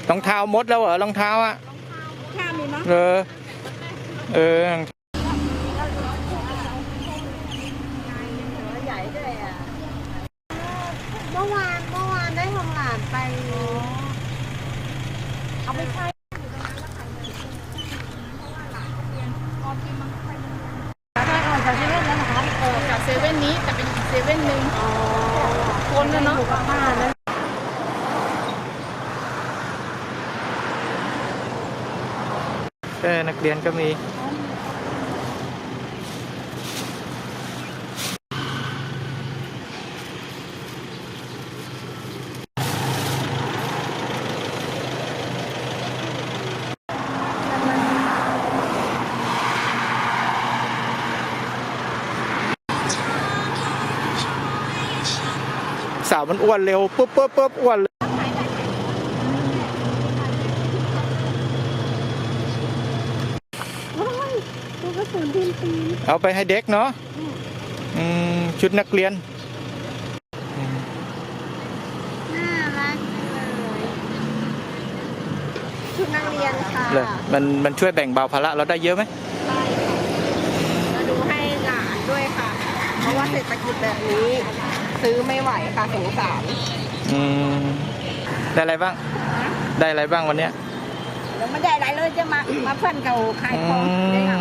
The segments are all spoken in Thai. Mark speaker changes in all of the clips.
Speaker 1: รองเท้ามดแล้วเหรอรองเท้าอ่ะ
Speaker 2: ข้ามีมั้ง
Speaker 1: เออ
Speaker 2: ใหญ่ด้วยอ่ะเมื่อวานได้ของหลานไปเอาไปใช้ได้ออกจากเซเว่นแล้วนะคะ
Speaker 3: จากเซเว่นนี้แต่เป็นอีกเซเว่นหนึ่งคนแล้วเนาะ
Speaker 2: ป้านะ
Speaker 1: นักเรียนก็มีสาวมันอ้วนเร็วปุ๊บอ้วนเลย
Speaker 2: ตัวกระสุนทีมตี
Speaker 1: เอาไปให้เด็กเนาะชุดนักเรียน
Speaker 2: น่ารักเลยชุดนักเรียนค่ะ
Speaker 1: เลยมันช่วยแบ่งเบาภาระเราได้เยอะไหม
Speaker 2: ใช่มาดูให้หลานด้วยค่ะเพราะว่าเศรษฐกิจแบบนี้ซื้อไม่ไหวค่ะสงสาร
Speaker 1: ได้อะไรบ้างได้อะไรบ้างวันเนี้ย
Speaker 2: แล้วไม่ได้อะไรเลยจะมาเพื่อนเก่าขายของได้หรอ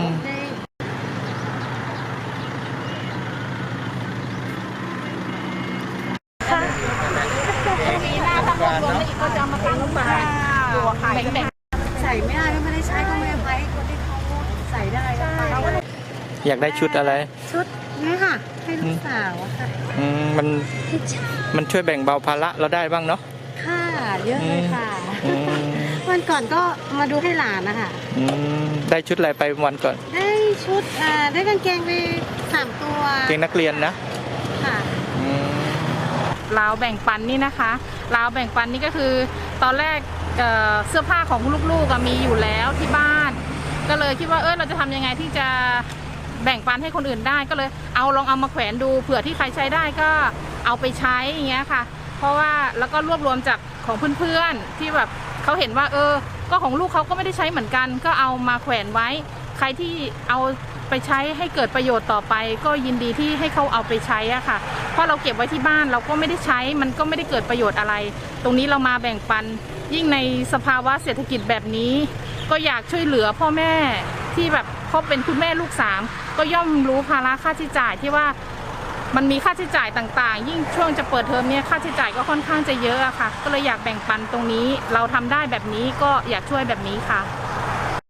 Speaker 2: ปีหน้าถ้ารวมแล้วอีกก็จะมาตั้งมาตัวขายแบ่งใส่ไม่ได้ไม่ได้ใช้ก็ไม่ไปคนที่เขาใส่ได้
Speaker 1: อยากได้ชุดอะไร
Speaker 2: ชุดนี่ค่ะให้ลูกสาวค่ะ
Speaker 1: มันช่วยแบ่งเบาภาระเราได้บ้างเนาะ
Speaker 2: ค่ะเยอะเลยค่ะวันก่อนก็มาดูให้หลานนะคะ
Speaker 1: ได้ชุดอะไรไปวันก่อน
Speaker 2: ได้ชุดได้กางเกงไป3 ตัว
Speaker 1: เกงนักเรียนนะ
Speaker 2: ค่ะ
Speaker 3: ราวแบ่งปันนี่นะคะราวแบ่งปันนี่ก็คือตอนแรกเสื้อผ้าของลูกๆมีอยู่แล้วที่บ้านก็เลยคิดว่าเราจะทำยังไงที่จะแบ่งปันให้คนอื่นได้ก็เลยลองเอามาแขวนดูเผื่อที่ใครใช้ได้ก็เอาไปใช้อย่างเงี้ยค่ะเพราะว่าแล้วก็รวบรวมจากของเพื่อนๆที่แบบเขาเห็นว่าก็ของลูกเขาก็ไม่ได้ใช้เหมือนกันก็เอามาแขวนไว้ใครที่เอาไปใช้ให้เกิดประโยชน์ต่อไปก็ยินดีที่ให้เขาเอาไปใช้อะค่ะเพราะเราเก็บไว้ที่บ้านเราก็ไม่ได้ใช้มันก็ไม่ได้เกิดประโยชน์อะไรตรงนี้เรามาแบ่งปันยิ่งในสภาวะเศรษฐกิจแบบนี้ก็อยากช่วยเหลือพ่อแม่ที่แบบเขาเป็นคุณแม่ลูก3ก็ย่อมรู้ภาระค่าใช้จ่ายที่ว่ามันมีค่าใช้จ่ายต่างๆยิ่งช่วงจะเปิดเทอมเนี่ยค่าใช้จ่ายก็ค่อนข้างจะเยอะอะค่ะก็เลยอยากแบ่งปันตรงนี้เราทำได้แบบนี้ก็อยากช่วยแบบนี้ค่ะ